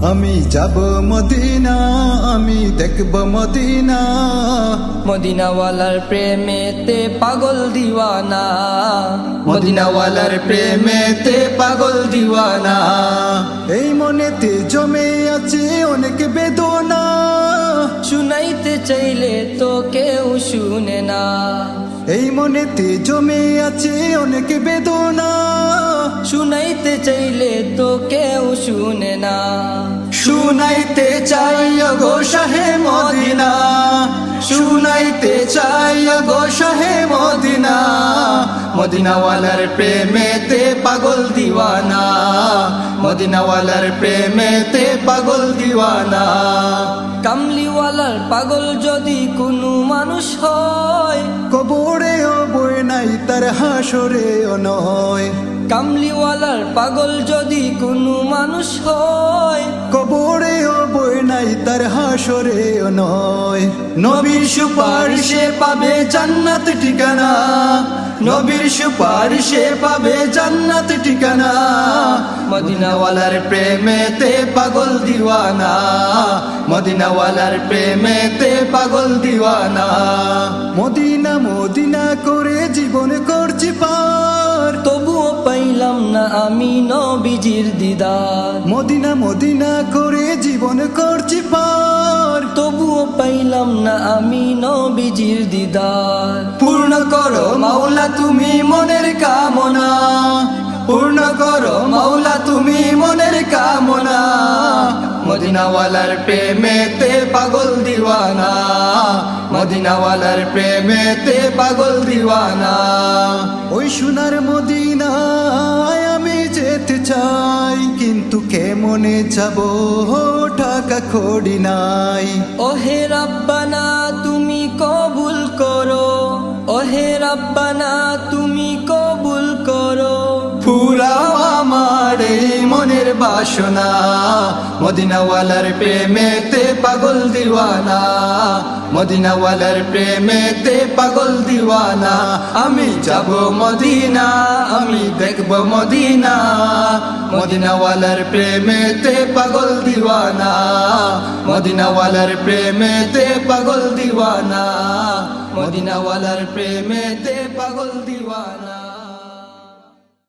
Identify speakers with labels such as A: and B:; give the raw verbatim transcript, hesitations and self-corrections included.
A: আমি যাব মদিনা, আমি দেখব মদিনা,
B: মদিনাওয়ালার প্রেমেতে পাগল দিওয়ানা,
A: মদিনাওয়ালার প্রেমেতে পাগল দিওয়ানা। এই মনেতে জমে আছে অনেক বেদনা,
B: শুনাইতে চাইলে তো কেউ শুনে না।
A: এই মনেতে জমে আছে অনেক বেদনা,
B: শুনাইতে চাইলে তো কেউ শুনে না।
A: শুনাইতে চাই গো শাহে মদিনা, শুনাইতে চাই গো শাহে মদিনা, মদিনাওয়ালার প্রেমেতে পাগল দিওয়ানা, মদিনাওয়ালার প্রেমেতে পাগল দিওয়ানা।
B: কামলিওয়ালার পাগল যদি কোনো মানুষ হয়,
A: কবরেও বই নাই তার হাসরেও নয়।
B: কামলিওয়ালার পাগল যদি কোনো মানুষ হয়,
A: কবরেও বই নাই তার হাসরেও নয়। নবীর সুপারিশে পাবে জান্নাত ঠিকানা, নবীর সুপারিশে পাবে জান্নাত ঠিকানা, মদিনাওয়ালার প্রেমেতে পাগল দিওয়ানা, মদিনাওয়ালার প্রেমেতে পাগল দিওয়ানা। মদিনা মদিনা করে জীবন করছি পার,
B: তবুও পাইলাম না আমি নবীজির দিদার।
A: মদিনা মদিনা করে জীবন করছি পার,
B: তবুও পাইলাম না আমি নবীজির দিদার।
A: পূর্ণ করো মাওলা তুমি মনের কামনা, পূর্ণ করো মাওলা তুমি মনের কামনা, মদিনাওয়ালার প্রেমেতে পাগল দিওয়ানা, মদিনাওয়ালার প্রেমেতে পাগল দিওয়ানা। ওই সোনার মদিনায় আমি যেতে চাই, কিন্তু কেমনে যাব টাকা কড়ি নাই।
B: ওহে রাব্বানা তুমি কবুল করো, ওহে রাব্বানা তুমি কবুল করো।
A: পুরাও আমার এই মনের বাসনা, মদিনাওয়ালার প্রেমেতে পাগল দিওয়ানা, মদিনাওয়ালার প্রেমেতে পাগল দিওয়ানা। আমি যাব মদিনা, আমি দেখব মদিনা, মদিনাওয়ালার প্রেমেতে পাগল দিওয়ানা, মদিনাওয়ালার প্রেমেতে পাগল দিওয়ানা, মদিনাওয়ালার প্রেমেতে পাগল দিওয়ানা।